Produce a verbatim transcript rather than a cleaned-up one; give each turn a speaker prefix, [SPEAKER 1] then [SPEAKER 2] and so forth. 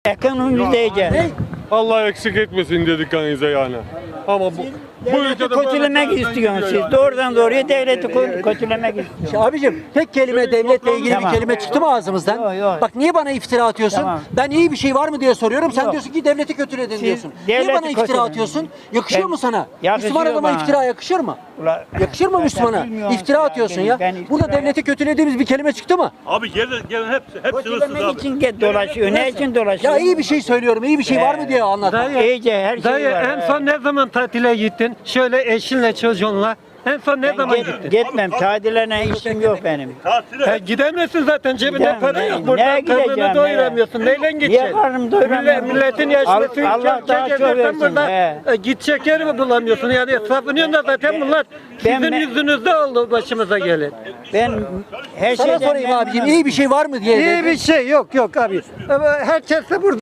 [SPEAKER 1] Ekonomimiz iyice.
[SPEAKER 2] Ne?
[SPEAKER 3] Allah eksik etmesin dedik kanınıza yani. Ama bu, bu
[SPEAKER 1] Devleti
[SPEAKER 3] ülkede
[SPEAKER 1] kötülemek
[SPEAKER 3] böyle-
[SPEAKER 1] istiyorsunuz siz. Doğrudan doğruya devleti kö- kötülemek istiyorsunuz.
[SPEAKER 2] İşte abicim tek kelime devletle ilgili
[SPEAKER 1] Tamam.
[SPEAKER 2] bir kelime çıktı mı ağzımızdan?
[SPEAKER 1] Yok, yok.
[SPEAKER 2] Bak niye bana iftira atıyorsun?
[SPEAKER 1] Tamam.
[SPEAKER 2] Ben iyi bir şey var mı diye soruyorum. Sen
[SPEAKER 1] Yok.
[SPEAKER 2] diyorsun ki devleti kötüledin diyorsun. Niye
[SPEAKER 1] devleti
[SPEAKER 2] bana iftira
[SPEAKER 1] kötüledin.
[SPEAKER 2] atıyorsun? Yakışıyor
[SPEAKER 1] Ben-
[SPEAKER 2] mu sana?
[SPEAKER 1] Yakışıyor
[SPEAKER 2] Müslüman adama
[SPEAKER 1] bana.
[SPEAKER 2] iftira yakışır mı?
[SPEAKER 1] Ula-
[SPEAKER 2] Yakışır mı
[SPEAKER 1] Zaten
[SPEAKER 2] Müslümana?
[SPEAKER 1] bilmiyorsun
[SPEAKER 2] İftira
[SPEAKER 1] ya,
[SPEAKER 2] atıyorsun
[SPEAKER 1] ben-
[SPEAKER 2] ya.
[SPEAKER 1] ben iftira
[SPEAKER 2] Burada devleti kötülediğimiz bir kelime çıktı mı?
[SPEAKER 4] Abi gelin gelin hepsi hepsi hırsız
[SPEAKER 1] Kötülemek
[SPEAKER 4] abi.
[SPEAKER 1] için ge- dolaşıyor. Ne için dolaşıyor?
[SPEAKER 2] Ya iyi bir şey söylüyorum. İyi bir şey var mı diye anlat.
[SPEAKER 5] Dayı,
[SPEAKER 1] İyice her şey
[SPEAKER 5] dayı
[SPEAKER 1] var.
[SPEAKER 5] en son ne zaman tatile gittin? Şöyle eşinle çocuğunla. En son ne zaman
[SPEAKER 1] Ben
[SPEAKER 5] gittin?
[SPEAKER 1] git- gitmem. Tadiline işim yok benim.
[SPEAKER 4] Tatile
[SPEAKER 5] E, gidemezsin zaten cebinde
[SPEAKER 1] Gidemem,
[SPEAKER 5] para
[SPEAKER 1] ne-
[SPEAKER 5] yok. Burada
[SPEAKER 1] neye gideceğim,
[SPEAKER 5] karnını doyuramıyorsun. Neyle gideceksin?
[SPEAKER 1] Niye karnımı doyuramıyorum?
[SPEAKER 5] Millet, milletin yaşlısın.
[SPEAKER 1] Allah- Allah daha çok versin,
[SPEAKER 5] burada
[SPEAKER 1] he.
[SPEAKER 5] e, gidecek yer mi bulamıyorsun? Yani savunuyorsun da zaten bunlar
[SPEAKER 1] ben-
[SPEAKER 5] sizin
[SPEAKER 1] ben-
[SPEAKER 5] yüzünüzde oldu başımıza gelin.
[SPEAKER 1] Ben her
[SPEAKER 2] Sana
[SPEAKER 1] şeyden
[SPEAKER 2] sorayım
[SPEAKER 1] memnunum.
[SPEAKER 2] abicim iyi bir şey var mı diye.
[SPEAKER 5] İyi bir şey yok yok abi. Ama herkes de burada.